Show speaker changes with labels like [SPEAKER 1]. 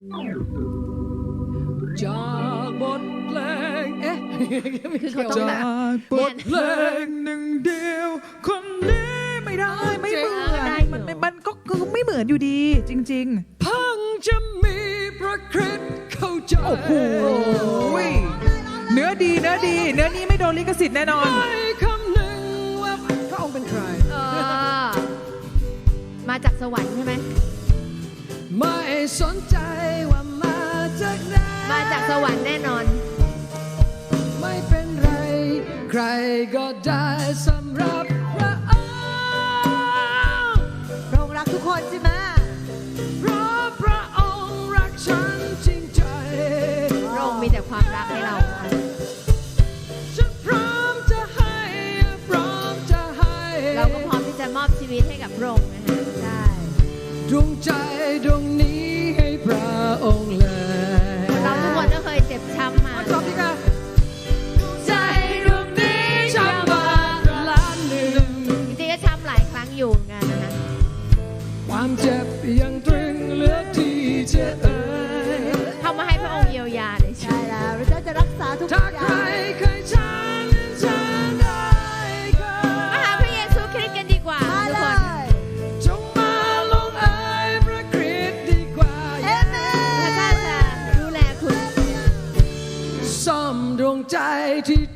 [SPEAKER 1] จากบทเพลง
[SPEAKER 2] คือเขาต้องแบบ
[SPEAKER 1] บทเพลงหนึ่งเดียวคนนี้
[SPEAKER 3] ไม่ได้ไม่เหมือนมันก็คือไม่เหมือนอยู่ดีจริง
[SPEAKER 1] ๆพังจะมีพระคริสต์เข้าใจ
[SPEAKER 3] โอ้โหเนื้อดีเนื้อนี้ไม่โดนลิขสิทธิ์แน่นอน
[SPEAKER 1] ไม่คำหนึ่งว่าพระองค์เป็นใคร
[SPEAKER 2] มาจากสวรรค์ใช่ไหม
[SPEAKER 1] ไม่สนใจว่ามาจากไหน
[SPEAKER 2] มาจากสวรรค์แน่นอน
[SPEAKER 1] ไม่เป็นไรใครก็ได้สำหรับพระองค์
[SPEAKER 4] พระองค์รักทุกคนใช่ไหม
[SPEAKER 1] เพราะพระองค์รักฉันจริงใจ
[SPEAKER 2] พระองค์มีแต่ความรักให้เรา
[SPEAKER 1] ฉันพร้อมจะให้
[SPEAKER 2] เราก็พร้อมที่จะมอบชีวิตให้กับพระองค์นะคะใช่
[SPEAKER 1] ดวงใจดวงนี้ให้พระองค์เลย
[SPEAKER 2] เราทุกคนก็เคยเจ็บช้ำมา
[SPEAKER 1] จบดีค่ะใจดวงนี้ช้ำมาล้านหนึ่ง
[SPEAKER 2] จริงๆก็ช้ำหลายครั้งอยู่เหมือนกันนะคะ
[SPEAKER 1] ความเจ็บยังตรึงเหลือที่จะ
[SPEAKER 2] เข้ามาให้พระองค์เยียวยาเลย
[SPEAKER 4] ใช่แล้วเราจะรักษาทุกอย่าง
[SPEAKER 1] ถ้าใครเคยช้ำฉันได้ก็
[SPEAKER 2] มาหาพระเยซูคริสต์กันดีกว่าทุกคน
[SPEAKER 1] จงมาลงเอยพระคริสต์ดีกว่า
[SPEAKER 2] พระเจ้าจะดูแลคุณ
[SPEAKER 1] ซ่อมดวงใจที่